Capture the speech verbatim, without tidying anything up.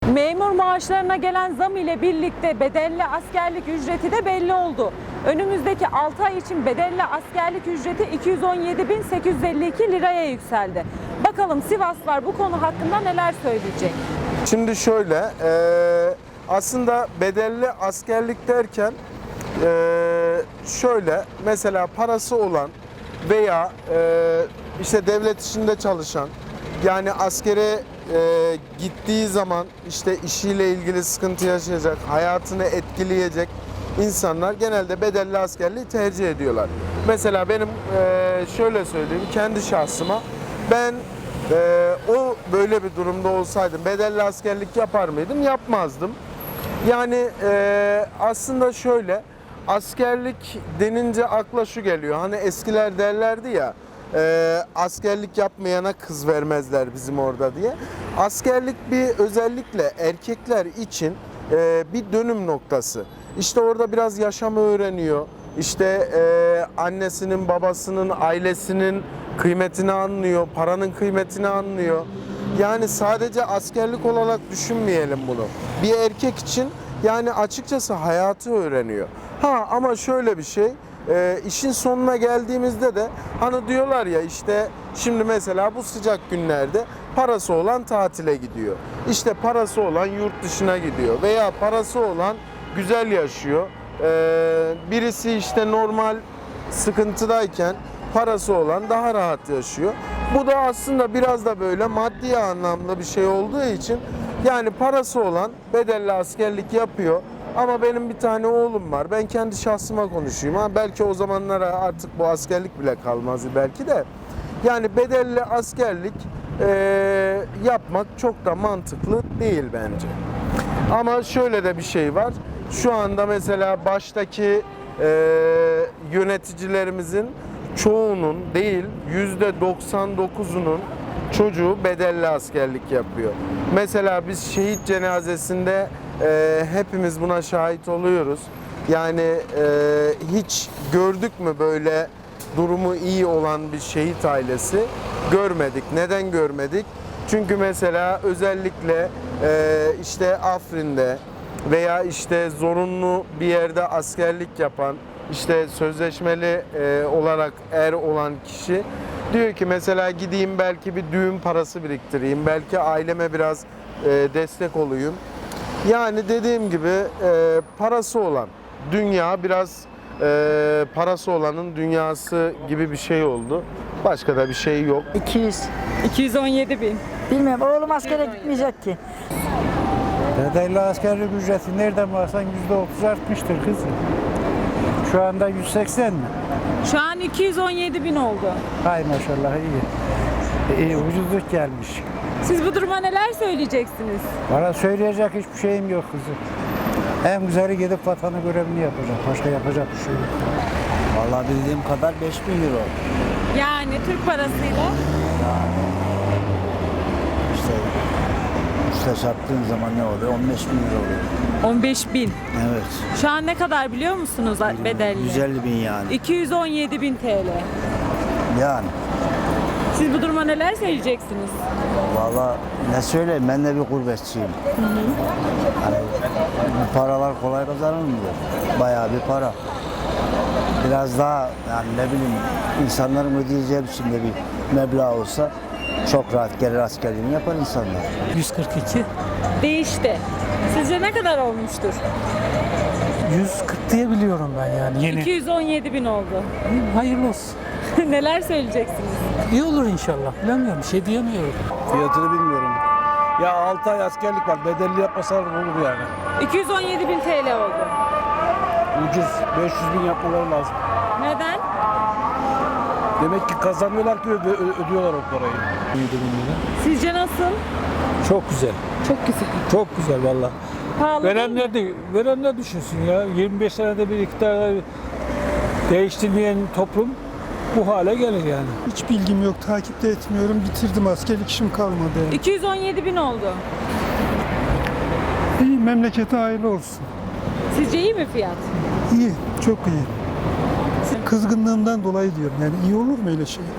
Memur maaşlarına gelen zam ile birlikte bedelli askerlik ücreti de belli oldu. Önümüzdeki altı ay için bedelli askerlik ücreti iki yüz on yedi bin sekiz yüz elli iki liraya yükseldi. Bakalım Sivaslılar bu konu hakkında neler söyleyecek? Şimdi şöyle, e, aslında bedelli askerlik derken e, şöyle, mesela parası olan veya e, işte devlet işinde çalışan, yani askere e, gittiği zaman işte işiyle ilgili sıkıntı yaşayacak, hayatını etkileyecek insanlar genelde bedelli askerliği tercih ediyorlar. Mesela benim e, şöyle söyleyeyim, kendi şahsıma, ben e, o böyle bir durumda olsaydım bedelli askerlik yapar mıydım? Yapmazdım. Yani e, aslında şöyle, askerlik denince akla şu geliyor, hani eskiler derlerdi ya, e, askerlik yapmayana kız vermezler bizim orada diye. Askerlik bir özellikle erkekler için e, bir dönüm noktası. İşte orada biraz yaşamı öğreniyor. İşte e, annesinin, babasının, ailesinin kıymetini anlıyor, paranın kıymetini anlıyor. Yani sadece askerlik olarak düşünmeyelim bunu. Bir erkek için yani açıkçası hayatı öğreniyor. Ha ama şöyle bir şey, e, işin sonuna geldiğimizde de hani diyorlar ya, işte şimdi mesela bu sıcak günlerde parası olan tatile gidiyor. İşte parası olan yurt dışına gidiyor veya parası olan güzel yaşıyor. Ee, birisi işte normal sıkıntıdayken parası olan daha rahat yaşıyor. Bu da aslında biraz da böyle maddi anlamda bir şey olduğu için, yani parası olan bedelli askerlik yapıyor. Ama benim bir tane oğlum var. Ben kendi şahsıma konuşayım. Ha, belki o zamanlara artık bu askerlik bile kalmaz belki de. Yani bedelli askerlik e, yapmak çok da mantıklı değil bence. Ama şöyle de bir şey var. Şu anda mesela baştaki e, yöneticilerimizin çoğunun değil, yüzde doksan dokuzunun çocuğu bedelli askerlik yapıyor. Mesela biz şehit cenazesinde e, hepimiz buna şahit oluyoruz. Yani e, hiç gördük mü böyle durumu iyi olan bir şehit ailesi? Görmedik. Neden görmedik? Çünkü mesela özellikle e, işte Afrin'de veya işte zorunlu bir yerde askerlik yapan, işte sözleşmeli e, olarak er olan kişi diyor ki mesela gideyim belki bir düğün parası biriktireyim, belki aileme biraz e, destek olayım. Yani dediğim gibi e, parası olan dünya biraz e, parası olanın dünyası gibi bir şey oldu. Başka da bir şey yok. iki yüz. iki yüz on yedi bin. Bilmiyorum, oğlum askere gitmeyecek ki. Bedelli askerlik ücreti nereden baksan yüzde otuz artmıştır kızım. Şu anda yüz seksen mi? Şu an iki yüz on yedi bin oldu. Hay maşallah, iyi. İyi, ucuzluk gelmiş. Siz bu duruma neler söyleyeceksiniz? Bana söyleyecek hiçbir şeyim yok kızım. En güzeli gidip vatanı görevini yapacak. Başka yapacak bir şey yok. Vallahi bildiğim kadar beş bin euro. Yani Türk parasıyla İşte üstte çarptığın zaman ne oluyor? on beş bin euro oluyor. on beş bin. Evet. Şu an ne kadar biliyor musunuz bedelli? yüz elli bin yani. iki yüz on yedi bin T L. Yani. Siz bu duruma neler söyleyeceksiniz? Vallahi ne söyleyeyim, ben de bir gurbetçiyim. Hı hı. Hani bu paralar kolay kazanılmıyor. Bayağı bir para. Biraz daha yani ne bileyim insanların ödeyeceği biçimde bir meblağ olsa çok rahat gelir askerliğini yapar insanlar. yüz kırk iki. Değişti. Sizce ne kadar olmuştur? yüz kırk diye biliyorum ben yani yeni. iki yüz on yedi bin oldu. Hayırlı olsun. Neler söyleyeceksiniz? İyi olur inşallah. Bilemiyorum. Bir şey diyemiyorum. Fiyatını bilmiyorum. Ya altı ay askerlik var. Bedelli yapmasalar olur yani. iki yüz on yedi bin T L oldu. Ucuz. beş yüz bin yapmaları lazım. Neden? Demek ki kazanıyorlar ki öde- ö- ödüyorlar o parayı. Sizce nasıl? Çok güzel. Çok güzel. Çok güzel valla. Pahalı değil mi? Verenler de verenler düşünsün ya. yirmi beş senede bir iktidar değiştirmeyen toplum bu hale gelir yani. Hiç bilgim yok, takip de etmiyorum. Bitirdim, askerlik işim kalmadı. Yani. iki yüz on yedi bin oldu. İyi, memlekete hayırlı olsun. Sizce iyi mi fiyat? İyi, çok iyi. Kızgınlığımdan dolayı diyorum. Yani iyi olur mu öyle şey?